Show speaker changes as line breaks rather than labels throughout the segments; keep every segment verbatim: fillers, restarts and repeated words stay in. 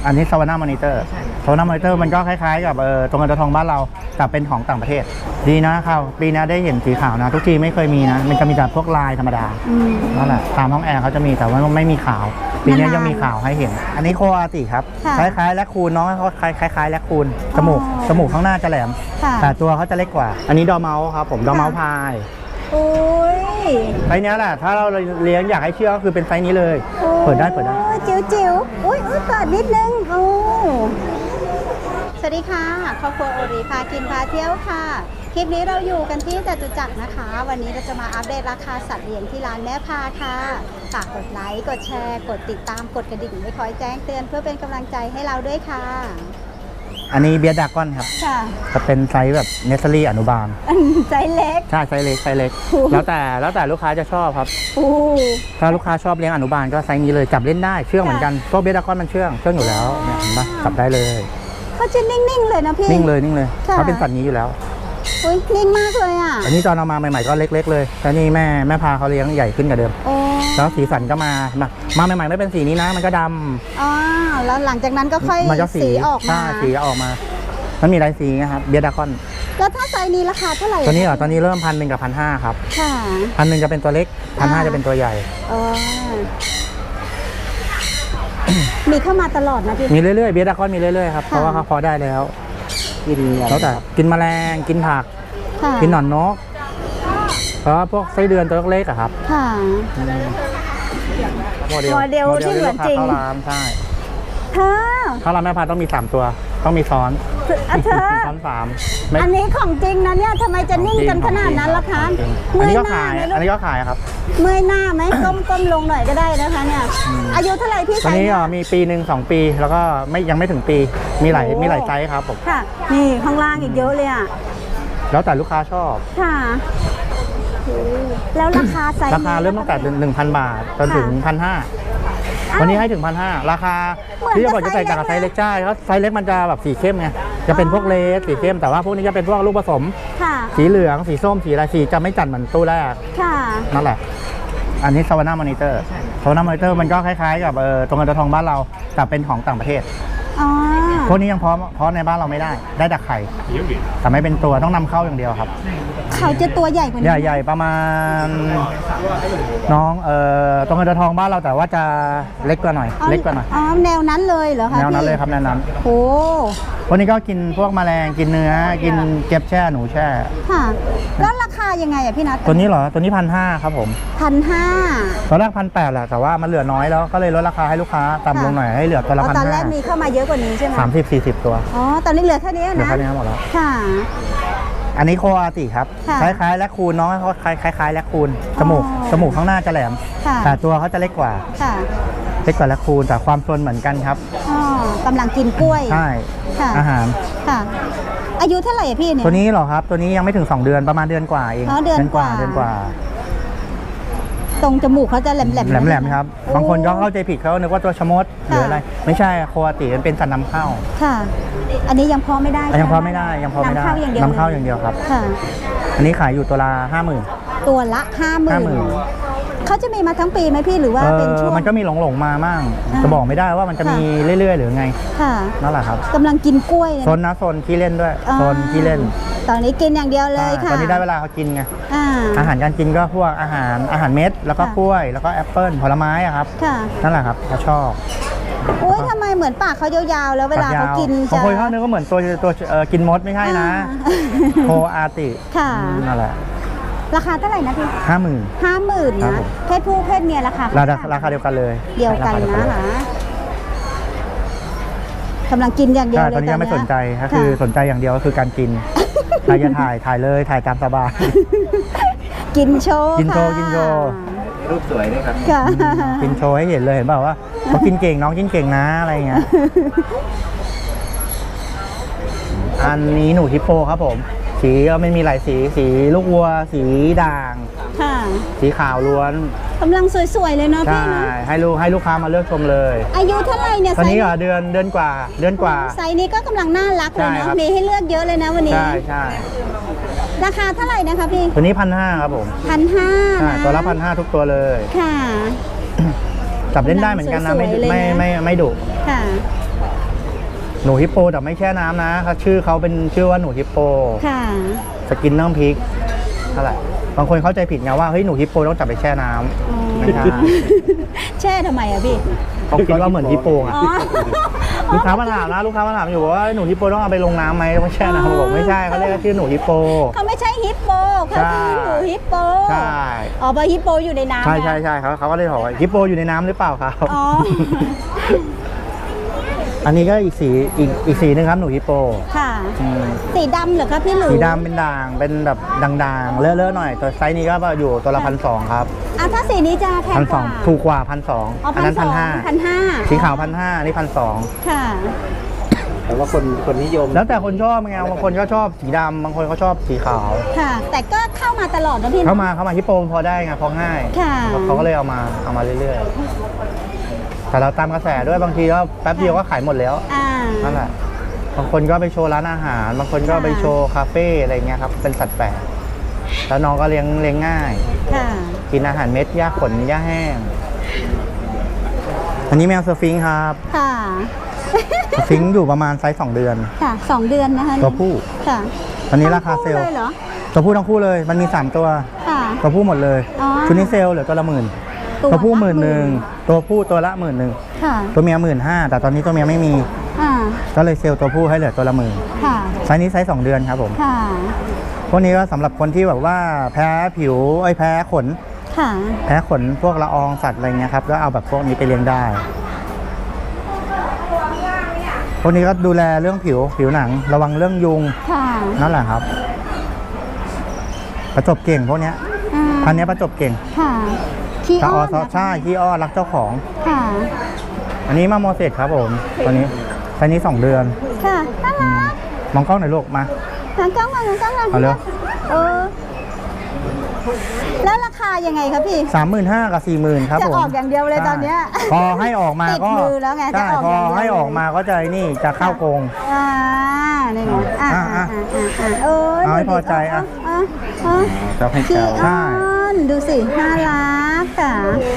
อันนี้ซาวาน่ามอนิเตอร์ซาวาน่ามอนิเตอร์มันก็คล้ายๆกับเออตรงกระทองบ้านเราแต่เป็นของต่างประเทศดีนะครับปีนี้ได้เห็นสีขาวนะทุกทีไม่เคยมีนะมันจะมีแต่พวกลายธรรมดานั่นแหละตามห้องแอร์เขาจะมีแต่ว่าไม่มีขาวปีนี้ยังมีขาวให้เห็นอันนี้โคอาติครับคล้ายๆแลคคูนน้องเขาคล้ายๆแลคคูนจมูกจมูกข้างหน้าจะแหลมแต่ตัวเขาจะเล็กกว่าอันนี้ดอร์เมาส์ครับผมดอร์เมาส์พาย
โอ้ย
ไซส์นี้แหละถ้าเราเลี้ยงอยากให้เชื่อก็คือเป็นไซส์นี้เลยเปิดได้เปิดได้
จิ๋วจิ๋วอุ้ยอุ้ยเปิดนิดนึงโอ้สวัสดีค่ะครอบครัวโอริพากินพาเที่ยวค่ะคลิปนี้เราอยู่กันที่จตุจักรนะคะวันนี้เราจะมาอัปเดตราคาสัตว์เลี้ยงที่ร้านแม่พาค่ะฝากกดไลค์กดแชร์กดติดตามกดกระดิ่งไว้คอยแจ้งเตือนเพื่อเป็นกำลังใจให้เราด้วยค่ะ
อันนี้เบียร์ดากอนครับจะเป็นไซส์แบบเนสเซอรี่อนุบาล
ไซส์เล็ก
ใช่ไซส์เล็กไซส์เล็กแล้วแต่แล้วแต่ลูกค้าจะชอบครับถ้าลูกค้าชอบเลี้ยงอนุบาลก็ไซส์นี้เลยจับเล่นได้เชื่องเหมือนกันตัวเบียร์ดากอนมันเชื่องเชื่องอยู่แล้วเนี่ยเห็นปะจับได้เลย
เขาจะนิ่งๆเลยนะพี่
นิ่งเลยนิ่งเลยเขาเป็นสัตว์นี้อยู่แล้ว
อุ้ยนิ่งมากเลยอ่ะ
อันนี้ตอนเอามาใหม่ๆก็เล็กๆเลยแต่นี่แม่แม่พาเขาเลี้ยงใหญ่ขึ้นกว่าเดิมแล้วสีสันก็มามาใหม่ๆไม่เป็นสีนี้นะมันก็ดำ
อ๋อแล้วหลังจากนั้นก็ค่อยสีออกมา
สีออกมามันมีหลายสีนะครับเบียร์ดากอน
แล้วถ้าไซส์นี้ราคาเท่าไหร่
ตัวนี้เหรอตอนนี้เริ่มพันหนึ่งกับพันห้าครับ
ค่ะ
พันหนึ่งจะเป็นตัวเล็กพันห้าจะเป็นตัวใหญ่
อ๋อมีเข้ามาตลอดนะพี่
มีเรื่อยๆเบียร์ดากอนมีเรื่อยๆครับเพราะว่าเขาพอได้แล้วกินแล้วแต่กินแมลงกินผักกินหนอนนกเพราะพวกไส้เดือนตัวเล็กอะครับ
ค่ะ
โมเดล
โมเดลที่เหมือนจริง
ข้าวรามใช่
เธอ
ข้าวรามแม่พาต้องมีสามตัวต้องมีซ้อน
เธอ
ซ้อนสาม
อันนี้ของจริงนะเนี่ยทำไมจะนิ่งกันขนาดนั้นล่ะคะ
อันนี้ก็ขายอันนี้ก็ขายครับ
เมื่อยหน้าไหมก้มก้มลงหน่อยก็ได้นะคะเนี่ยอายุเท่าไหร่พี่ไซส์
นี้มีปีหนึ่งสองปีแล้วก็ไม่ยังไม่ถึงปีมีหลายมีหลายไซส์ครับผม
ค่ะนี่ข้างล่างอีกเยอะเลยอ่ะ
แล้วแต่ลูกค้าชอบ
ค่ะแล้วราคาไซส์
ราคาเริ่มตั้งแต่หนึ่งพันบาทจนถึงพันห้าวันนี้ให้ถึงพันห้าราคาที่จะบอกจะใส่จากไซส์เล็กใช่เพราะไซส์เล็กมันจะแบบสีเข้มไงจะเป็นพวกเลสสีเข้มแต่ว่าพวกนี้จะเป็นพวกลูกผสมสีเหลืองสีส้มสีอะไรสีจะไม่จัดเหมือนตู้แรกนั่นแหละอันนี้ซาวาน่ามอนิเตอร์ซาวาน่ามอนิเตอร์มันก็คล้ายๆกับเออตรงกระทองบ้านเราแต่เป็นของต่างประเทศพวกนี้ยังเพาะเพาะในบ้านเราไม่ได้ได้แต่ไข่แต่ไม่เป็นตัวต้องนำเข้าอย่างเดียวครับ
เขาจะตัวใหญ่กว่านี้
ใหญ่ๆประมาณน้องเอ่อตรงกระทองบ้านเราแต่ว่าจะเล็กกว่าหน่อยเล็กกว่าหน่อย
อ๋อแนวนั้นเลยเหรอคะ
แนวนั้นเลยครับแนวนั้น
โอ้
วันนี้ก็กินพวกแมลงกินเนื้อกินเก็บแช่หนูแช่
ค่ะแล้วราคายังไงอ่ะพี่นัท
ตัวนี้เหรอตัวนี้พันห้าครับผม
พันห้า
ตอนแรกพันแปดแหละแต่ว่ามันเหลือน้อยแล้วก็เลยลดราคาให้ลูกค้าต่ำลงหน่อยให้เหลือตัวละพันห้า
ตอนแรกมีเข้ามาเยอะกว่านี้ใช่ไหม
สามสิบสี่สิบตัว
อ๋อตอนนี้เหลือแค่นี้นะเห
ลือแค่นี้หมดแล้ว
ค่ะ
อันนี้โคอาติครับคล้ายๆแลคคูนน้องเขาคล้ายๆแลคคูนจมูกจมูกข้างหน้าจะแหลมแต่ตัวเขาจะเล็กกว่าเล็กกว่าแลคคูนแต่ความซนเหมือนกันครับ
อ๋อกำลังกินกล้วย
ใช่อาหาร
ค่ะอายุเท่าไหร่พี่เนี่ย
ตัวนี้เหรอครับตัวนี้ยังไม่ถึงสองเดือนประมาณเดือนกว่าเอง
เดือนกว่า
เดือนกว่า
ตรงจมูกเขาจะแหลมแหลม
แหลมๆครับบางคนก็เข้าใจผิดเขานึกว่าตัวชะมดหรืออะไรไม่ใช่โคอาติมันเป็นสัตว์นำเข้า
ค่ะอันนี้ยังพอไม่ได้
ยังพอไม่ได้ยังพอไม่ได้นำเข้าอย่างเดียวครับ
ค่ะ
อันนี้ขายอยู่ตัวละห้าหมื่น
ตัวละห้าหมื่นเขาจะมีมาทั้งปีไหมพี่หรือว่าเป็นช่วง
มันก็มีหลงๆมามั่งจะบอกไม่ได้ว่ามันจะมีเรื่อยๆหรือไง
ค่ะ
นั่นแหละครับ
กำลังกินกล้วย
โซนนะโซนขี้เล่นด้วยโซนขี้เล่น
ตอนนี้กินอย่างเดียวเลยค่ะ
ตอนนี้ได้เวลาเขากินไงอาหารการกินก็พวกอาหารอาหารเม็ดแล้วก็กล้วยแล้วก็แอปเปิ้ลผลไม้อะครับนั่นแหละครับเขาชอบ
โอ้ยทำไมเหมือนปากเขายาวๆแล้วเวลาเขากิน
จะบางคนเขาเนื้อก็เหมือนตัวตัวกินมดไม่ใช่นะโคอาติ
ค่ะ
นั่นแหละ
ราคาเท่าไหร่นะพี่
ห้าหมื่น
ห้าหมื่นนะเพศผู้เพศเมียราคา
ราคาเดียวกันเลย
เดียวกันนะคะกำลังกินอย่างเดียวเลย
ตอนนี้ไม่สนใจก็คือสนใจอย่างเดียวก็คือการกินใครจะถ่ายถ่ายเลยถ่ายตามสบาย
กินโชว์
กินโชว์กินโชว์รูปสวยด้วยครับกินโชว์ให้เห็นเลยเห็นเปล่าว่าเขากินเก่งน้องกินเก่งนะอะไรเงี้ยอันนี้หนูฮิปโปครับผมสีก็ไม่มีหลายสีสีลูกวัวสีด่างสีขาวล้วน
กำลังสวยๆเลยเนาะพี่เนาะ
ให้ลูกให้ลูกค้ามาเลือกชมเลย
อายุเท่าไหร่เนี่ย
ตอนนี้ก็เดือนเดือนกว่าเดือนกว่า
ไซส์นี้ก็กำลังน่ารักเลยเนาะมีให้เลือกเยอะเลยนะวันนี้
ใช่ใช่
ราคาเท่าไหร่นะคะพี่
ตัวนี้พันห้าครับผม
พันห้า
ตัวละพันห้าทุกตัวเลย
ค่ะ
จับเล่นได้เหมือนกันนะไม่ไม่ไม่ไม่ดุ
ค่ะ
หนูฮิปโปแต่ไม่แช่น้ำนะเขาชื่อเขาเป็นชื่อว่าหนูฮิปโป
ค่ะ
สกินน้ำพริกเท่าไหร่บางคนเข้าใจผิดไงว่าเฮ้ยหนูฮิปโปต้องจับไปแช่น้ำไม่ใช่
แช่ทำไมอะพี่
เขาคิดว่าเหมือนฮิปโปไง
อ๋อ
ลูกค้ามาถามนะลูกค้ามาถามอยู่ว่าหนูฮิปโปต้องเอาไปลงน้ำไหมต้องแช่น้ำบอกไม่ใช่เขาเรียกว่าชื่อหนูฮิปโป
เขาไม่ใช่ฮิปโปเขาคือหนูฮิปโป
ใช่
อ๋อเพราะฮิปโปอยู่ในน้ำ
ใช่
นะ
ใช่ใช่เขาเขาก็เลยบอกว่าฮิปโปอยู่ในน้ำหรือเปล่าครับ
อ๋อ
อันนี้ก็อีกสีอีกอีกสีหนึงครับหนูฮิปโป
ค่ะ
อืม
สีดำเหรอคะพี่หรือ
สีดำเป็นด่างเป็นแบบด่างๆเลอะๆหน่อยตัวไซส์นี้ก็อยู่ตัวละพันสองครับ
อ่ะถ้าสีนี้จะแพง
พัน
ก
สอง
ว่า
ถูกกว่าพันสอง
อ๋อ
อันนั้น
พั
พั
น
น
สอ
ห้าง
พันห้า
สีขาวพันห้านี่พันสอง
ค่ะ
แต่ว่าคนคนนิยม
แล้วแต่คนชอบไงบางคนก็ชอบสีดำบางคนก็ชอบสีขาว
ค่ะ แต่ก็เข้ามาตลอดนะพี่นะ
เข้ามาเข้ามาฮิปโปพอได้ไงพอง่าย
ค่ะ
เขาก็เลยเอามาเอามาเรื่อยๆแต่เราตามกระแสด้วยบางทีก็แป๊บเดียวก็ขายหมดแล้ว
อ่า
นั่นแหละบางคนก็ไปโชว์ร้านอาหาร บางคนก็
ค่ะ
ไปโชว์คาเฟ่อะไรเงี้ยครับเป็นสัตว์แปลกแล้วน้องก็เลี้ยงเลี้ยงง่าย
ค่ะ
กินอาหารเม็ดหญ้าขนหญ้าแห้ง อันนี้แมวสฟิงค์ครับ
ค่ะ
สฟิงค์อยู่ประมาณไซส์สองเดือน
ค่ะสองเดือนนะคะ
ตัวผู้
ค่ะ
ตอนนี้ราคาเซลล์
ทั้งคู่เลยเหรอ
ตัวผู้ทั้งคู่เลย มันมีสามตัว
ค่ะ
ตัวผู้หมดเลย
อ๋อ
ชุดนี้เซลล์เหลือตัวละหมื่นตัวผู้หมื่นหนึ่งตัวผู้ตัวละหมื่นหนึ่ง
ค่ะ
ตัวเมียหมื่นห้าแต่ตอนนี้ตัวเมียไม่มี
อ่า
ก็เลยเซลล์ตัวผู้ให้เหลือตัวละหมื่น
ค่ะ
ไซส์นี้ไซส์สองเดือนครับผม
ค่ะ
พวกนี้ก็สำหรับคนที่แบบว่าแพ้ผิวไอ้ยแพ้ขน
ค่ะ
แพ้ขนพวกละอองสัตว์อะไรเงี้ยครับก็เอาแบบพวกนี้ไปเลี้ยงได้พวกนี้ก็ดูแลเรื่องผิวผิวหนัง ระวังเรื่องยุง
ค่ะ
นั่นแหละครับ ประจบเก่งพวกเนี้ย
อ่า
พันธุ์เนี้ยประจบเก่ง
ค่ะขี้
ตา
อ้
อ
อ
อน ซอ
นะคะ
ใช่ขี้อ้อนรักเจ้าของ
ค่ะ
อันนี้มาโมเสสครับผมตัวนี้ไซส์นี้สองเดือน
ค่ะน่ารัก
มองกล้องหน่อยลูกมา
หางกล้องมาหางกล้องมา
เอาเร็ว
เออแล้วราคายังไงครับพี่
สามหมื่นห้ากับสี่หมื่นครับ
จะ
ผม
ออกอย่างเดียวเลยตอนเนี้ย
ใช่พอให้ออกมาก็
ติดมือแล้วไงจะ
ใช่
ออก
พอ
อย่างเดียว
ให้ออกมาก็จะนี่จะเข้าโกง
อ่านี่ไงอ่า
อ่ะ
อ่า
อ่ะ
อ่าอ่าอ่าเออ
เอาให้
ดูดิ
พอใจอ่ะ
อ่ะอ่ะ
เจ้าให้
ขี้
เจ้า
ใช่
อ้อนดูสิน่ารักอ่ะ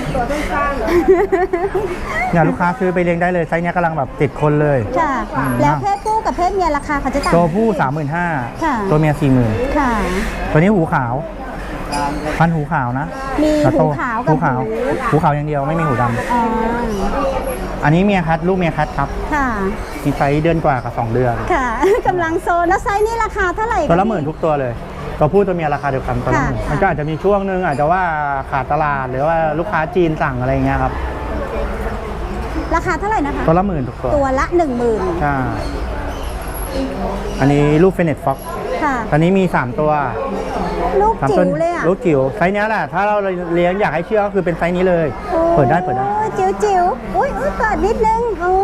เนี่ยลูกค้าซื้อไปเลี้ยงได้เลยไซส์เนี้ยกำลังแบบติดคนเลย
ค่ะ
อืม
แล้วเพศผู้กับเพศเมียราคาเขาจะต่าง
ตัวผู้สามหมื่นห้า
ค่ะ
ตัวเมียสี่หมื่น
ค่ะ
ตัวนี้หูขาว พันธุ์หูขาวนะ
มี
แล้ว
หู
โต
ขาวกับ
หูขาว
หู
หูขาวอย่างเดียวไม่มีหูด
อ๋อ
ำอันนี้เมียคัดลูกเมียคัดครับ
ค่ะ
มีไซส์เดือนกว่ากับสองเดือน
ค่ะ กำลังโซนแล้วไซส์นี้ราคาเท่าไหร่
ตัวละ
ค
หมื่นทุกตัวเลย ตัวผู้ตัวเมียราคาเดียวกันตัวละหมื่น
ค่ะ
มันก็อาจจะมีช่วงนึงอาจจะว่าขาดตลาดหรือว่าลูกค้าจีนสั่งอะไรเงี้ยครับ
ราคาเท่าไหร่นะคะ
ตัวละหมื่นทุกตัว
ตัวละหนึ่งหมื่น
ใช่อันนี้ลูกเฟเนตฟ็อก
ค่ะ
ตอนนี้มีสามตัว
ลูก
สาม
จิ๋
ตัว
วเลยอ่ะ
ลูกจิ๋วไซส์เนี้ยแหละถ้าเราเลี้ยงอยากให้เชื่อก็คือเป็นไซส์นี้เลย
โอ้
เปิดได้เปิดได้
จิ๋วจิ๋วอุ้ยอุ้ยเปิดนิดนึงโอ้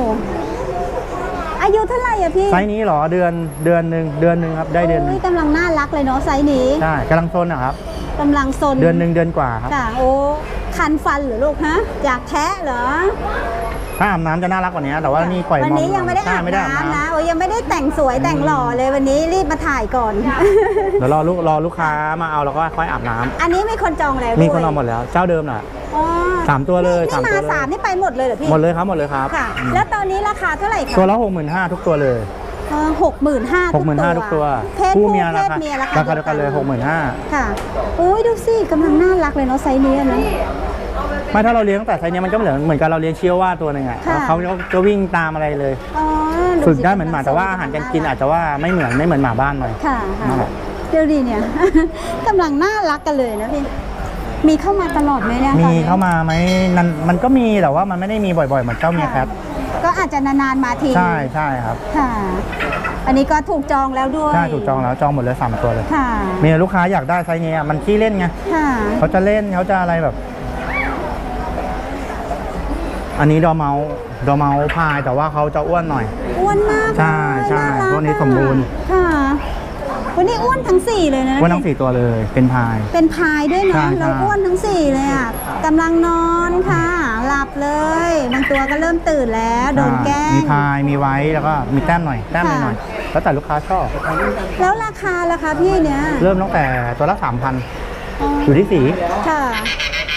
อายุเท่าไหร่อ่ะพี่
ไซส์นี้เหรอเดือนเดือนหนึ่งเดือนหนึ่งครับได้เดือนหนึง
ยกำลังน่ารักเลยเนาะไซส์นี้
ใช่กำลังโซนนะครับ
กำลังซน
เดือนหนึ่งเดือนกว่าครับ
ค่ะ โอ้คันฟันเหรือลูกฮะอยากแทะเหรอ
ถ้าอาบน้ำจะน่ารักกว่านี้แต่ว่านี่ปล่อย
วันนี้
มอ
ยังไม่ได้อาบ
ใช่ไม่ได้อาบ
น้ำนะ
น้ำ
โอ้ยยังไม่ได้แต่งสวยแต่งหล่อเลยวันนี้รีบมาถ่ายก่อน
เดี๋ยวรอลูกรอลูกค้ามาเอาแล้วก็ค่อยอาบน้ำ
อันนี้มีคนจองแล้วด้วย
มีคนเอาหมดแล้ว เจ้าเดิมน่ะ
อ๋อ
สามตัวเลย
นี่
สาม
มา
ตัวเลย
สามนี่ไปหมดเลยเหรอพี่
หมดเลยครับหมดเลยครับ
ค่ะ
อืม
แล้วตอนนี้ราคาเท่าไหร่คะ
ตัวละหกหมื่นห้าทุกตัวเลย
หกหมื่นห้า
หกหมื่นห้าทุกตัว
เพศผู้
เมีย
เพ
รา
ศ
คา
เมียรา
รา
คา
คาเดียวกันเลยหกหมื่นห้า
ค่ะอุ้ยดูสิกำลังน่ารักเลยเนาะไซส์นี้นะ
ไม่ถ้าเราเลี้ยงตั้งแต่ไซส์เนี้ยมันก็เหมือนเหมือนกับเราเลี้ยงเชียวว่าตัวหนึ่งอ่ะ
ค่ะ
เขาจะวิ่งตามอะไรเลย
อ๋อ
ฝึกได้เหมือนหมาแต่ว่าอาหารการกินอาจจะว่าไม่เหมือนไม่เหมือนหมาบ้านหน่อย
ค่ะ
นั่นแห
ค่ะ
ละ
เดี๋ยวดีเนี่ย กำลังน่ารักกันเลยนะพี่มีเข้ามาตลอดไหมเนี่ย
มี
ตอนนี้
เข้ามาไหมมันมันก็มีแต่ว่ามันไม่ได้มีบ่อยๆเหมือนเจ้าเมียแคท
ก็อาจจะนานๆมาที
ใช่ใช่ครับ
ค่ะ อันนี้ก็ถูกจองแล้วด้วย
ใช่ถูกจองแล้วจองหมดเลยสามตัวเลย
ค่ะ
มีลูกค้าอยากได้ไซส์นี้อะมันขี้เล่นไง
ค่ะ
เขาจะเล่นเขาจะอะไรแบบ อันนี้ดอร์เมาส์ดอร์เมาส์พายแต่ว่าเขาจะอ้วนหน่อย
อ้วนมาก
ใช่ใช่
น่ารัก
พวกนี้สมบูรณ์
ค่ะวันนี้อ้วนทั้งสี่เลยนะ
อ้วนทั้งสี่ตัวเลยเป็นพาย
เป็นพายด้วย
ใช่
เนาะ
ใช่
แล้วอ้วนทั้งสี่เลยอ่ะกำลังนอนค่ะ หลับเลย บางตัวก็เริ่มตื่นแล้วโดนแกล้
มี
ง
พายมีไว้แล้วก็มีแต้มหน่อยแต้มห
ค่ะ
น่อยๆแล้วแต่ลูกค้าชอบ
แล้วราคาล่ะคะพี่เนี่ย
เริ่มตั้งแต่ตัวละสามพัน
อ๋อ
อยู่ที่สี
ค่ะ
ถ้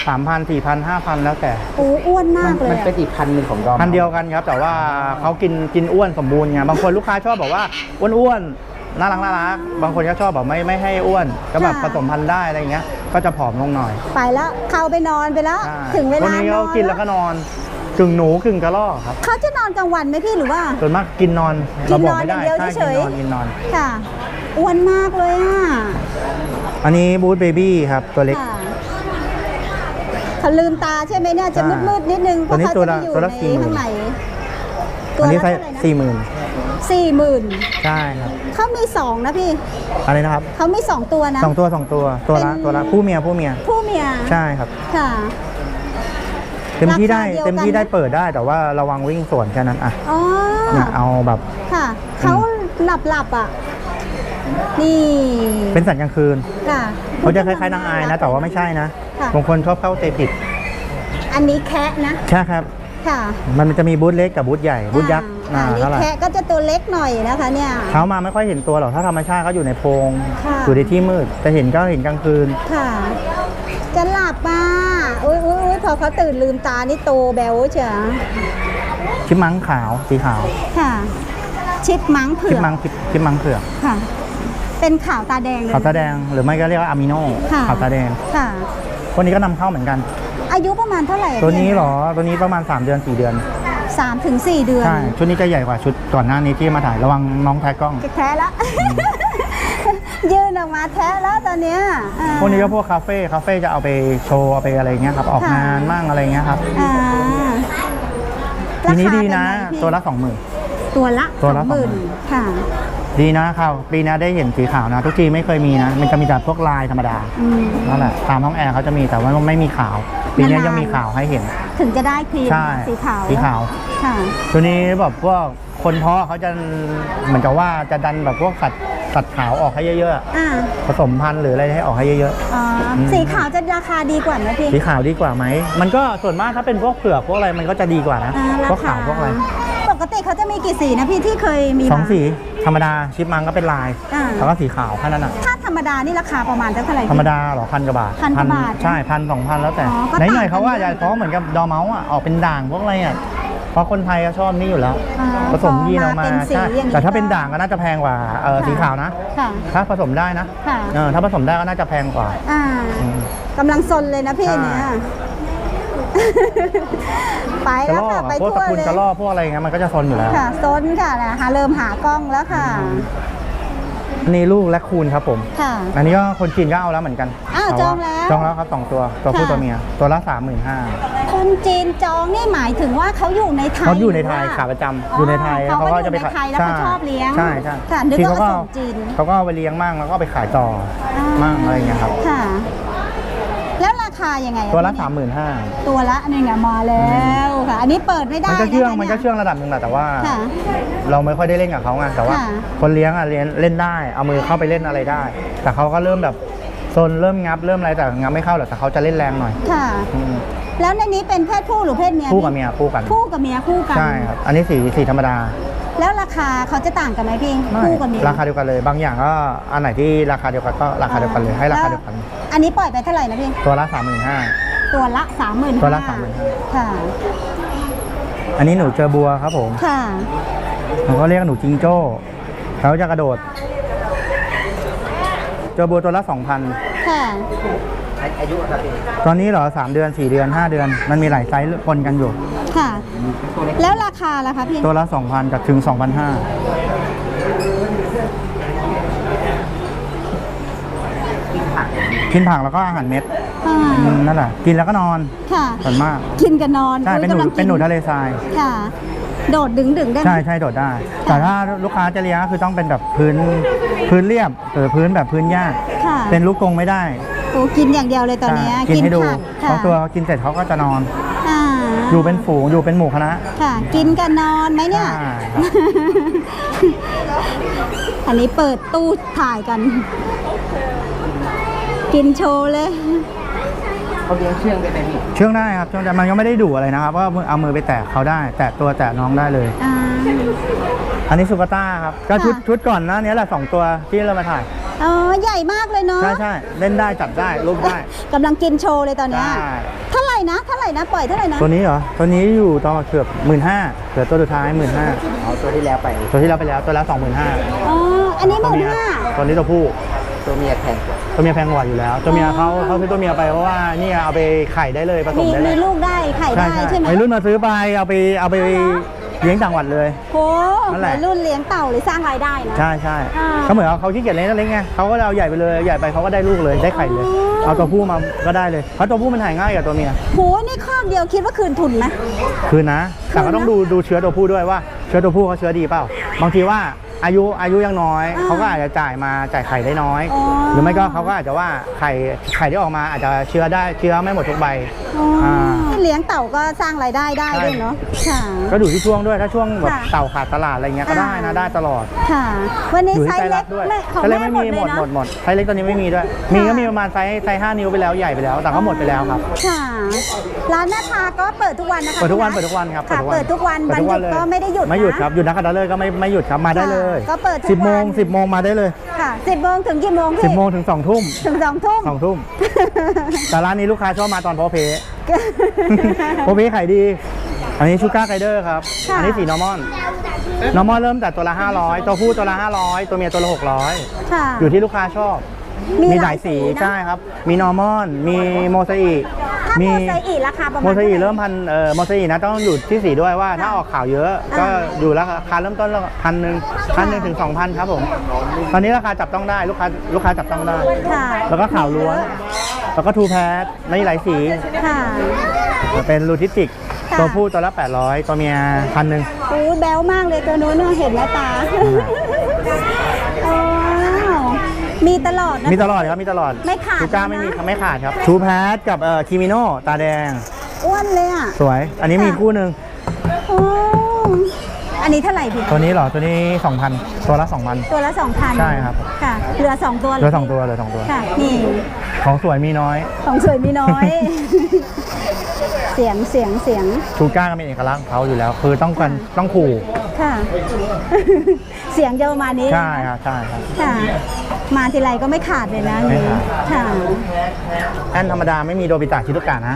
สามพันสี่พันห้าพันแล้วแต่
โอ้อ้วนมากเลย
มัน
อะ
เป็นอีกพันหนึ่งของดอม
พันเดียวกันครับ แต่ว่าเขากินกินอ้วนสมบูรณ์ไงบางคนลูกค้าชอบบอกว่าอ้วนๆน่ารักน่ารักบางคนก็ชอบแบบไม่ไม่ให้อ้วนก็แบบผสมพันธุ์ได้อะไรเงี้ยก็จะผอมลงหน่อย
ไปแล้วเข้าไปนอนไปแล้ว
ใช่
ถึงเว
วัน
ลา
นี้
น
เขา
อน
กินแล้วก็นอนกึ่งหนูกึ่งกระรอกครับ
เขาจะนอนกลางวันไหมพี่หรือว่า
ส่วนมากกินนอน
กิ
เรา
น
บ
น
อ
อก น
ไม่ได้
อย่างเดียว
ใช่
เฉ
กิน
ย
นอนกินนอน
ๆค่ะอ้วนมากเลยอ่ะ
อันนี้บูธเบบี้ครับตัวเล็ก
ค่ะเขาลืมตาใช่ไหมเนี่ยจะ
ใช่
มืดๆนิดนึงเพ
ตัว
ราะ
นี้
เขา
ตัว
จะ
ละ
ไปอยู่
ตัวละ
ใน
สี่หมื่น
ข้างใน
อันนี้ไซ
ละ
ส์
เท่าไหร่นะ
สี่หมื่น
สี่หมื่น
ใช่ครับ
เขามีสองนะพี่
อะไรนะครับ
เขามีสองตัวนะ
สองตัวสองตัวตัวละ
เป็น
ตัวละผู้เมียผู้เมีย
ผู้เมีย
ใช่ครับ
ค่ะ
เต็มที่ได้
ราคาเดียวกัน
เต็มที่ได้เปิดได้แต่ว่าระวังวิ่งสวนแค่นั้นอ่ะ
อ๋อ
เนี่ยเอาแบบ
ค่ะเขาหลับหลับๆอ่ะนี่
เป็นสัตว์กลางคืน
ค่ะ
เขาจะคล้ายๆนางอายนะ แต่ว่าไม่ใช่นะ
ค่ะ
บางคนชอบเข้าใจผิด
อันนี้แคะนะ
ใช่ครับ
ค่ะ
มันจะมีบูธเล็กกับบูธใหญ่บูธยักษ์
อ่า
อ่า
อันนี้
เท่าไหร่
แคะก็จะตัวเล็กหน่อยนะคะเนี่ย
เช้ามาไม่ค่อยเห็นตัวหรอกถ้าธรรมชาติเขาอยู่ในโพรง
ค่ะ
อยู่ในที่มืดแต่เห็นก็เห็นกลางคืน
ค่ะ จะหลับอ่ะอุ้ยอุ้ยอุ้ยพอเขาตื่นลืมตานี่โตแบวเชียว
ชิปมังขาวสีขาว
ค่ะ ชิปมังเผื
ชิป
อก
มังชิปชิปมังเผือก
ค่ะ เป็นขาวตาแดงเลย
ขาวตาแดงหรือไม่ก็เรียกว่าอะมิโน
ค่ะ
ขาวตาแดง
ค่ะ
คนนี้ก็นำเข้าเหมือนกัน
อายุประมาณเท่าไหร่อะ
ตัวนี้
พี่
เหรอตัวนี้ประมาณสามเดือนสี่เดือน
สามถึงสี่เดือน
ใช่ชุดนี้จะใหญ่กว่าชุดก่อนหน้านี้ที่มาถ่ายระวังน้องแท้กล้อง
จะแท้ละ ยืนออกมาแท้แล้วตอนเนี้ยอ่า
พวกนี้ก็พวกคาเฟ่คาเฟ่จะเอาไปโชว์เอาไปอะไรเงี้ยครับออก
ค่ะ
งานมั่งอะไรเงี้ยครับ
อ่า
ทีนี้
ราคา
ดีนะ
เป็ไงพี่
ตัวละสองหมื่น
ตัวละ
ตัวละ
สองหมื่น
สองหมื่น
ค่ะ
ดีนะครับปีนี้ได้เห็นสีขาวนะ ทุกทีไม่เคยมีนะ มันจะมีแต่พวกลายธรรมดา
อืม
นั่นแหละตามห้องแอร์เขาจะมีแต่ว่าไม่มีขาว ปีนี้
นานๆ
ยังมีขาวให้เห็น
ถึงจะได้ครีม
ใช่
สีขาว
สีขาว
ค่ะ
ตัวนี้แบบพวกคนเพาะเขาจะเหมือนกับว่าจะดันแบบพวกสัตว์สัตว์ขาวออกให้เยอะ
อ่า
ๆ ผสมพันธุ์หรืออะไรให้ออกให้เยอะ
อ๋ออ
ม
สีขาวจะราคาดีกว่าไหมพี่
ๆ สีขาวดีกว่าไหม มันก็ส่วนมากถ้าเป็นพวกเผือกพวกอะไรมันก็จะดีกว่านะ
อ่ารา
พวก
คา
ขาวพวกอะไร
ปกติเขาจะมีกี่สีนะพี่ที่เคยมี
สอง
มา
สีธรรมดาชิปมังก็เป็นลาย
อ่า
แล้วก็สีขาวแค่นั้นอ่ะ
ถ้าธรรมดานี่ราคาประมาณเท่าไหร่พี่
ธรรมดาเหรอพันกว่าบาท
พันกว่าบาท
ใช่พันสองพันแล้วแต่
อ๋อก็
ไหน
ต่าง
หน่อยเขาว่า
กัน
จะเพราะเหมือนกับดอเมาส์อ่ะออกเป็นด่างพวกอะไรอ่ะเพราะคนไทยก็ชอบนี่อยู่แล้ว
อ่า
ผสมยีนออกมา
พอมาเป็นสี
ใช่
อย่างนี้
แต่ถ้าเป็น
ก็
ด่างก็น่าจะแพงกว่าเออ
ค่ะ
สีขาวนะ
ค่ะ
ถ้าผสมได้นะ
ค่ะ
เออถ้าผสมได้ก็น่าจะแพงกว่า
อ่า
อืม
กำลังซนเลยนะพี่
ใช่
เนี่ย ไป
กระ
แล้ว
รอ
ค่ะ
ก
ไป
อะพวก
ทั่
ตระ
ว
กูล
เลย
กระรอกพวกอะไรเงี้ยมันก็จะซนอยู่แล้ว
ค่ะซนค่ะนะหาเริ่มหากล้องแล้วค่ะ
อันนี้ลูกและคูณครับผม
ค่ะ
อันนี้ก็คนจีนก็เอาแล้วเหมือนกัน
อ้าว
แต่
จองแล้ว
จองแล้วครับสองตัวตัวผู้
ค่ะ
ตัวเมียตัวละสามหมื่นห้า
คนจีนจองนี่หมายถึงว่าเขาอยู่ในไทย
เขาอยู่ในไทย
หรืว่
ขาประจำอยู่ในไทย
เขาก็อยู่
จะ
ใน
ขาย
ไทยแล้วเขาชอบเลี้ยง
ใช่ใช่
ค่ะนึก
ที
ว่า
เขาก็
ส่งจีน
เขาก็เอาไปเลี้ยงมั่งแล้วก็เอาไปขายต่ออา มั่งอะไรอย่างเงี้ยครับ
ค่ะ แล้วราคายังไงอ
ตัวละ
พี่
สามหมื่นห้า
ตัวละนี่ไงมาแล้วค่ะ อันนี้เปิดไม่ได้
มันก็เชื่อง
ะคะ
มันก็เชื่องระดับหนึ่งแหละแต่ว่า
ค่ะ
เราไม่ค่อยได้เล่นกับเขาไงแต่ว่า
ค่ะ
คนเลี้ยงอ่ะเลี้ยงเล่นได้ เอามือเข้าไปเล่นอะไรได้ แต่เขาก็เริ่มแบบโซนเริ่มงับเริ่มอะไรแต่งับไม่เข้าหรอกแต่เขาจะเล่นแรงหน่อย
ค่ะ
อืม
แล้วในนี้เป็นเพศผู้หรือเพศเมีย
คู่กับเมียคู่กัน
คู่กับเมียคู่กัน
ใช่ครับอันนี้สีสีธรรมดา
แล้วราคาเขาจะต่างกันไหมพี่
ไม่
คู่กับเมีย
ราคาเดียวกันเลย บางอย่างก็อันไหนที่ราคาเดียวกันก็ราคาเดียวกันเลยให้ราคาเดียวกัน
อันนี้ปล่อยไปเท่าไหร่นะพี่
ตัวละสามหมื่นห้า
ตัวละสามหมื่น
ตัวละสามหมื่นห้า
ค่ะ
อันนี้หนูเจอบัวครับผม
ค่ะ
ผมก็เรียกหนูจิงโจ้เขาจะกระโดด เจอบัวตัวละสองพัน
ค่ะ
อายุครับพี่
ตอนนี้เหรอสามเดือนสี่เดือนห้าเดือน มันมีหลายไซส์ปนกันอยู่
ค่ะ แล้วราคาล่ะคะพี่
ตัวละสองพันกับถึงสองพันห้ากินผักแล้วก็อาหารเม็ด
อ่า
อืมนั่นแหละกินแล้วก็นอน
ค่ะ
ส่วนมาก
กินกันนอน
ใช่เป็นหนู
อุ๊ยกำลังกิ
เป็นหนูทะเลทราย
ค่ะ โดดดึงดึงๆได้ไหม
ใช่ใช่โดดได้ แต่ถ้าลูกค้าจะเลี้ยงก็คือต้องเป็นแบบพื้นพื้นเรียบหรือพื้นแบบพื้นหญ้า
ค่ะ
เป็นลูกกรงไม่ได้
โอ้กินอย่างเดียวเลยตอนเนี้ย
ใช่กินให้ดู
ผัก
เพราะตัวกินเสร็จเขาก็จะนอน
อ่า
อยู่เป็นฝูงอยู่เป็นหมู่คณะ
ค่ะ กินกันนอนไหมเนี่ย
ใช่
อันนี้เปิดตู้ถ่ายกัน กินโชว์เลย
เขาเลี้ยงเชื่องได้ไหมพี่
เชื่องได้ครับเชื่องได้มันก็ไม่ได้ดุอะไรนะครับว่าเอามือไปแตะเขาได้ แตะตัวแตะน้องได้เลย
อ่า
อันนี้สุกาต้าครับก็ชุด
ค่ะ
ชุดก่อนหนะนี้แหละสองตัวที่เรามาถ่าย
อ๋อใหญ่มากเลยเนาะ
ใช่ใช่เล่นได้จับได้รูปได้
กำลังกินโชว์เลยตอนเนี้ย
ใช่
เท่าไหร่นะเท่าไหร่นะปล่อยเท่าไหร่นะ
ตัวนี้เหรอตัวนี้อยู่ตอนเกือบหมื่นห้าเหลือตัวสุดท้ายหมื่นห้า
เอาตัวที่แล้วไป
ตัวที่เราไปแล้วตัวแล้วสองหมื่นห้า
อ๋ออันนี้ห
ตัว
มื่น
เมีย
ห้า
ตัวนี้ตัวผู้
ตัวเมียแพงกว่า
ตัวเมียแพงกว่าอยู่แล้ว ตัวเมียเขาเขาซื้อตัวเมียไปเพราะว่านี่เอาไปไข่ได้เลยผส
มี
มได้เล
มี
ย
ลูกได้ไข่ได้ใช่ไหม
วัยรุ่นมาซื้อไปเอาไปเอาไปเลี้ยงต่างจังหวัดเลย
โห
นั่นแหละ
วัยรุ่นเลี้ยงเต่าหรือสร้างรายได้นะ
ใช่ใช่
อ่า
เขาเหมือนเขาขี้เกียจเลี้ยงเล็กไงเขาก็เอาใหญ่ไปเลยใหญ่ไปเขาก็ได้ลูกเลยได้ไข่เลย
อ๋อ
เอาตัวผู้มาก็ได้เลยเพราะตัวผู้มันถ่ายง่ายกว่าตัวเมีย
โหนี่ครอบเดียวคิดว่าคืนทุนไหม
คือนะแต่ก็ต้องดูดูเชื้อตัวผู้ด้วยว่าเชื้อตัวผู้เขาเชื้อดีเปล่าบางทีว่าอายุอายุยังน้อย
อ่า
เขาก็อาจจะจ่ายมาจ่ายไข่ได้น้อย
อ๋อ
หรือไม่ก็เขาก็อาจจะว่าไข่ไข่ที่ออกมาอาจจะเชื้อได้เชื้อไม่หมดทุกใบ
อ๋ออา เลี้ยงเต่าก็สร้างรายได้ได้
ใช่
ด้วยเนาะค่ะ
ก็ดูที่ช่วงด้วยถ้าช่วงแบบ
ค่ะ
เต่าขาดตลาดอะไรเงี้ยก็ได้นะ
อ่า
ได้ตลอด
ค่ะ วันนี้
อยู่
ไซ
ที่ไซ
ส์
ส์
เล็
เล็
ก
กด้วย
ไม่ของ
ไซส์เล็
แม่
ก
หม
ไม่
ด
มี
เล
หม
ย
ด
นะ
หมดหมดไซส์เล็กตอนนี้ไม่มีด้วย มีก็มีประมาณไซส์ไซส์ห้านิ้วไปแล้วใหญ่ไปแล้วแต่ก็หมดไปแล้วครับ
ค่ะ ร้านหน้าทาก็เปิดทุกวันนะคะ
เปิดทุกวัน
พี่
เปิดทุกวันครับ
ค่ะเปิดทุกวัน
เปิ
วัน
ดทุก
ห
วั
ยุ
น
ด
เลย
ก็ไม่ได้หยุด
ไม่หยุด
นะครับ
หยุดนักขัตฤกษ์ก็ไม่ไม่หยุดครับมาได้เลย
ค่ะก็เปิดทุก
สิบโมง
วัน
สิบโมงมาได้เลย
ค่ะสิบโมงถึงกี่โมงพี่
สิบโมงถึงสองทุ่ม
ถึงสองทุ่ม
สองทุ่มแต่ร้านนี้ลูกค้าชอบมาตอนโพเพ โพเพขายดี อันนี้ชูการ์ไกเดอร์ครับ
ค่ะ
อันนี้สีนอร์มอนนอร์มอนเริ่มแต่ตัวละห้าร้อยตัวผู้ตัวละห้าร้อยตัวเมียตัวละหกร้อย
ค่ะ
อยู่ที่ลูกค้าชอบ
มี
มี
ห
ห
ลา
ลาย ย
สี
สี
นะ
ใช่ครับ มีนอร์มอน มีโมซาอิ
ถ้าโมไซอีราคาประมาณ
โมซาอิ
ท่าไห
เริ่มพันเอ่อโมซาอินะต้องอยู่ที่สีด้วยว่าถ้าออกข่าวเยอะ ก็
อ่า
อยู่ราคาเริ่มต้นพันหนึ่งพันหนึ่งถึงสองพันครับผม ตอนนี้ราคาจับต้องได้ลูกค้าลูกค้าจับต้องได้
ค่ะ
แล้วก็ข่าวล้วน แล้วก็ทูแพทในหลายสี
ค่ะ
เป็นลูทิสติก
ค่ะ
ตัวผู้ตัวละแปดร้อยตัวเมียพันหนึ่ง
อู้แบ๊วมากเลยตัวนู้นน่ะเห็นไหมตาอ๋อมีตลอดนะ
มีตลอดครับมีตลอด
ไม่ขาด
ทูก้า
นะ
ไม่มีไม่ขาดครับทูแพทกับเอ่อคิมิโนตาแดง
อ้วนเลยอ่ะ
สวย อันนี้มี
ค่ะ
คู่หนึ่ง
โอ้อันนี้เท่าไหร่พี่
ตัวนี้เหรอ ตัวนี้สองพันตัวละสองพัน
ตัวละสองพัน
ใช่ครับ
ค่ะ เหลือสองตัว
เหลือสองตัวเหลือสองตัว
ค่ะ นี่
ของสวยมีน้อย
ของสวยมีน้อย เสียงเสียงเสียง
ทูก้าก็มีเอกลักษณ์ของเขาอยู่แล้ว คือต้องกันต้องขู่
ค่ะ เสียงจะประมาณนี้
ใช่ครับใช่ครับ
ค่ะ มาทีไรก็ไม่ขาดเลยนะ
ไม่
นี่
ขาด
ค่ะ
แอนธรรมดาไม่มีโดบิตะชิตุกะนะ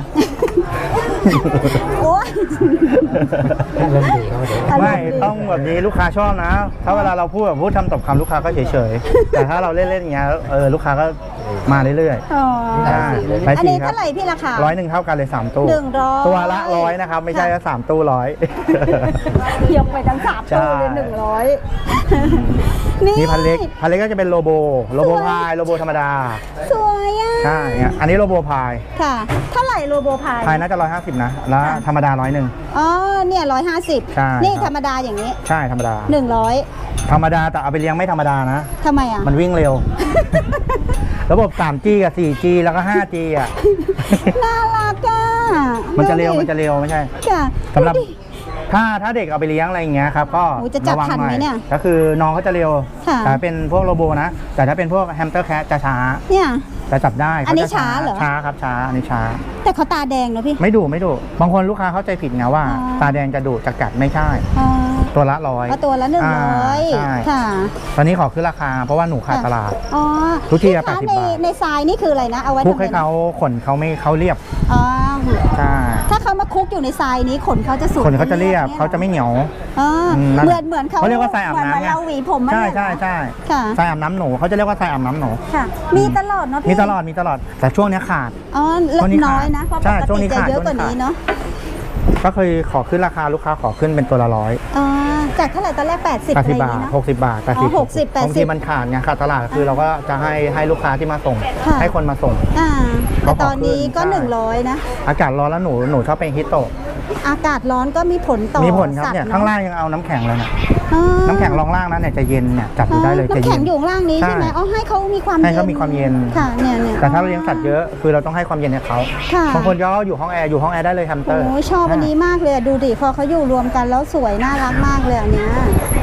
โอ้ย
เริ่มดีแล้วเดี๋ยว
ตลก
ไม่
ดี
ต้องแบบนี้ลูกค้าชอบนะ ถ้าเวลาเราพูดแบบพูดทำตบคำลูกค้าก็เฉยๆ แต่ถ้าเราเล่นๆอย่างเงี้ยเออลูกค้าก็มาเรื่อย
อ๋อ
ๆใช่หลาย
อัน
สี
นี้
ครับ
เท่าไหร่พี่ราคา
ร้อยหนึ่งเท่ากันเลยสามตู้
หนึ่งร้อย
ตัวละร้อยนะครับ ไม่ใช่ว่าสามตู้ร้อย
ยกไปทั้งสาม
ใช่
ตู้เลยหนึ่งร้อยนี่
นี่พันเล็กพันเล็กก็จะเป็นโลโบโลโบพายโลโบธรรมดา
สวยอ่ะ
ใช่เนี่ยอันนี้โลโบพาย
ค่ะ เท่าไหร่โลโบพาย
พายน่าจะร้อยห้าสิบนะ แล้ว
ค่ะ
ธรรมดาร้อยหนึ่ง
อ๋อ เนี่ยร้อยห้าสิบ
ใช่
นี่
ครับ
ธรรมดาอย่างนี้
ใช่ธรรมดา
หนึ่งร้อย
ธรรมดาแต่เอาไปเลี้ยงไม่ธรรมดานะ
ทำไมอ่ะ
มันวิ่งเร็ว ระบบ สามจี กับ สี่จี แล้วก็ ห้าจี อ่ะ
น่ารักอ่ะ
มันจะเร็ว
ดูดิ
มันจะเร็วไม่ใช่
ค่ะ
สำหรับ
ดูดิ
ถ้าถ้าเด็กเอาไปเลี้ยงอะไรอย่างเงี้ยครับก็
โอ้ยจะจับ
ระวัง
ทัน
หน่
ไหม
อย
เนี่ย
ก็คือน้องเขาจะเร็ว
ค่ะ
แต่เป็นพวกโรโบนะ แต่ถ้าเป็นพวกแฮมสเตอร์แคทจะช้า
เนี่ย
จะจับได้
อันนี้
ขจะ
ช้าเหรอ
ช้าครับช้าอันนี้ช้า
แต่เขาตาแดงเนอะพี่
ไม่ดุไม่ดุบางคนลูกค้าเข้าใจผิดไงว่า
อ๋อ
ตาแดงจะดุจะกัดไม่ใช่
อ๋อ
ตัวละร้อย
เอาตัวละหนึ่งร้อย
ใช่
ค่ะ
ตอนนี้ขอขึ้นราคาเพราะว่าหนูขาดตลาด
อ๋อ
ทุกทีอะ
พี่คะ
แปดสิบ
ใน
บาท
ในทรายนี่คืออะไรนะ เอาไว้
คุก
ทำ
ให้
อะไรนะ
เขาขนเขาไม่เขาเรียบ
อ๋อ
ใช่
ถ้าเขามาคุกอยู่ในทรายนี้ขนเขาจะสวย
ขนเขาจะเรียบ
นี่
เขาจะไม่เหนียว
อ๋อ
อืมนั่น
เหมือนเหมือนเขา
เขาเรียกว่าทรายอาบน้ำ
เหมือน
ไง
เราหวีผมอะ
ใช่
เนี่ย
ใช่ใช่
ค่ะ
ทรายอาบน้ำหนูเขาจะเรียกว่าทรายอาบน้ำหนู
ค่ะ มีตลอดเนาะพี่
มีตลอดมีตลอดแต่ช่วงเนี้ยขาด
อ๋อ
ช่วงนี้ขาด
น้อยนะ เพราะ
ใช่
ปก
ช่วงนี้
ติจะ
ขาด
เยอะกว่า
ช่วงนี้
นี้
ขาด
เนาะ
ก็เคยขอขึ้นราคาลูกค้าขอขึ้นเป็นตัวละร้อย
อ๋อ จากเท่าไหร่ตอนแรก แปดสิบ
แป
อะ
ด
ไร
สิ
อบ ย่าง
บาท
งี้เนาะ
หกสิบบาทแปด
อ๋
สิ
อบ หกสิบแปดสิบ
บางทีมันขาดไงขาดตลาดคือเราก็จะให้ให้ลูกค้าที่มาส่ง
ค่ะ
ให้คนมาส่ง
อ่า
ก็
แต่
ขอ
ตอนนี้ก็
ขึ้นใช่
หนึ่งร้อยนะ
อากาศร้อนแล้วหนูหนูชอบเป็นฮิตโตะ
อากาศร้อนก็มีผลต่อ
มีผลครับ
สัตว์
เนี่ย
อะ
ข้างล่างยังเอาน้ำแข็งเลยนะ
อ๋อ
น้ำแข็งรองล่างนั้นเนี่ยจะเย็นเนี่ยจับดูได้เลยจะ
น้ำ
เย็
แข็
น
งอยู่ข้างล่างนี้ใช่ไหม
ใช่
อ๋อให้เขามีความ
ให้เขามีความเย็น
ค่ะเนี่ยเนี่ย
แต่ถ้าเราเลี้ยงสัตว์เยอะคือเราต้องให้ความเย็นให้เขา
ค่ะ
บางคนก็อยู่ห้องแอร์อยู่ห้องแอร์ได้เลยแฮมสเตอ
โอ้
ร์
ยชอบอันนี้มากเลยอะดูดิพอเขาอยู่รวมกันแล้วสวยน่ารักมากเลยอันเนี้ย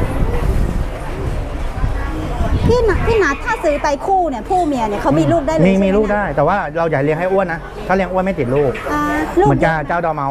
พี่หนัพี่นัทถ้าซื้อไปคู่เนี่ยผู้เมียเนี่ยเขามีลูกได้เลย
มี
ใช่ห
มีลูก
นะ
ได้ แต่ว่าเราอย่าเลี้ยงให้อ้วนนะถ้าเลี้ยงอ้วนไม่ติดลูก
อ่าลูก
เหมือนกับเจ้าดอร์เมาส์อ่ะ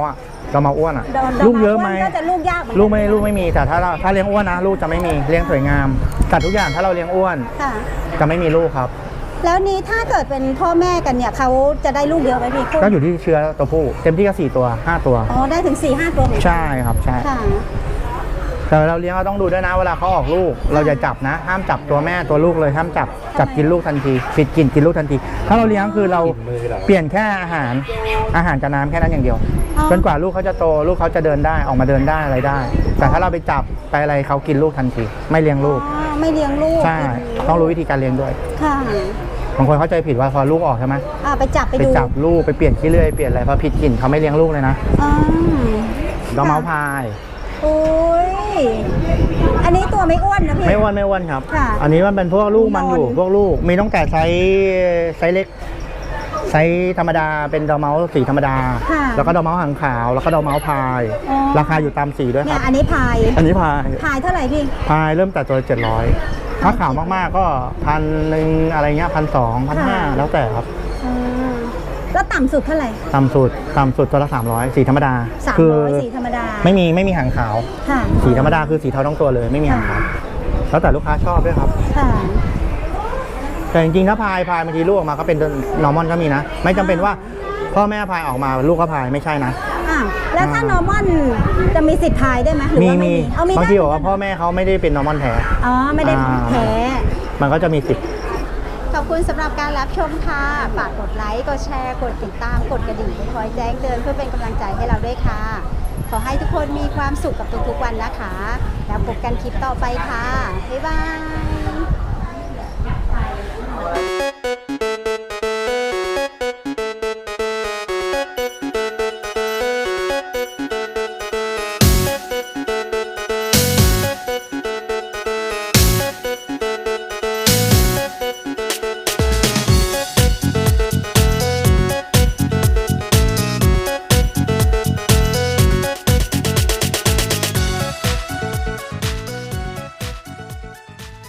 ดอร์เมาอ้วนอ่ะ
ดอ
ลูกเยอะไหม
ก็จะลูกยากเหมือนน
ลูกไม่ลูกไม่มีแต่ถ้าเราถ้าเลี้ยงอ้วนนะลูกจะไม่มีเลี้ยงสวยงามสัตว์ทุกอย่างถ้าเราเลี้ยงอ้วน
ค่ะ
จะไม่มีลูกครับ
แล้วนี้ถ้าเกิดเป็นพ่อแม่กันเนี่ยเขาจะได้ลูกเยอะไหมพี่
ก็อยู่ที่เชื้อตัวผู้เต็มที่ก็สี่ตัวห้าตัว
อ๋อได้ถึงสี่ห้าตัวเหมือนกัน
ใช่ครับใช่
ค่ะ
แต่เราเลี้ยงเราต้องดูด้วยนะเวลาเขาออกลูก เราอย่าจับนะ ห้ามจับตัวแม่ตัวลูกเลยห้ามจับจับกินลูกทันทีปิดกินกินลูกทันที ถ้าเราเลี้ยงคือเราเปลี่ยนแค่อาหารอาหารกับน้ำแค่นั้นอย่างเดียว
อ๋อ
จนกว่าลูกเขาจะโตลูกเขาจะเดินได้ออกมาเดินได้อะไรได้ แต่ถ้าเราไปจับไปอะไรเขากินลูกทันที ไม่เลี้ยงลูก
อ๋อไม่เลี้ยงลูก
ใช่ต้องรู้วิธีการเลี้ยงด้วย
ค่ะ
บางคนเข้าใจผิดว่าพอลูกออกใช่ไหม
อ่าไปจับไป
ไป
ดู
จับลูกไปเปลี่ยนขี้เลื่อยเปลี่ยนอะไรพอผิดกลิ่นเขาไม่เลี้ยงลูกเลยนะ
อ๋อ
ดอร์เมาพาย
โอ้ยอันนี้ตัวไม่อ้วนนะพี่
ไม่อ้วนไม่อ้วนครับ
ค่ะ
อันนี้มันเป็นพวกลูกมันอยู่
นอน
พวกลูกมีตั้งแต่ไซส์ไซส์เล็กไซส์ธรรมดาเป็นดอร์เมาสีธรรมดา
ค่ะ
แล้วก็ดอร์เมาหางขาว แล้วก็ดอร์เมาพาย
อ๋อ
ราคาอยู่ตามสีด้วยค
เนี่
รั
ย
บ
อันนี้พาย
อันนี้พาย
พายเท่าไหร่พี่
พายเริ่มแต่ตัวเจ็ดร้อยถ้าขาวมากๆก็พันหนึ่งอะไรเงี้ยพันสองพันห้าแล้วแต่ครับ
อืมแล้วต่ำสุดเท่าไหร่
ต่ำสุดต่ำสุดตัวละสามร้อยสีธรรมดา
สาม
คื
ร้อยสีธรรมดา
ไม่มีไม่มีหางขาว
ค่ะ
สีธรรมดาคือสีเทาทั้งตัวเลยไม่มีหางขาวแล้วแต่ลูกค้าชอบด้วยครับ
ค่ะ
แต่จริงๆถ้าพายพายบางทีลูกออกมาก็เป็นนอร์มอนก็มีนะ ไม่จำเป็นว่าพ่อแม่พายออกมาลูกก็พายไม่ใช่นะ
อ่ะแล้วถ้า
อ่า
นอร์มอนจะมีสิทธิ์พายได้ไหมหรือ
มี
ว่าไม่
มี
มีเอามี
บาง
ได้
ทีบอกว่าพ่อแม่เขาไม่ได้เป็นนอร์มอนแท้
อ๋อไม่ได้
อ่า
แพ้
มันก็จะมีสิทธิ์
ขอบคุณสำหรับการรับชมค่ะฝากกดไลค์กดแชร์กดติดตามกดกระดิ่งคอยแจ้งเตือนเพื่อเป็นกำลังใจให้เราด้วยค่ะ ขอให้ทุกคนมีความสุขกับทุกๆวันนะคะ แล้วพบกันคลิปต่อไปค่ะบ๊ายบาย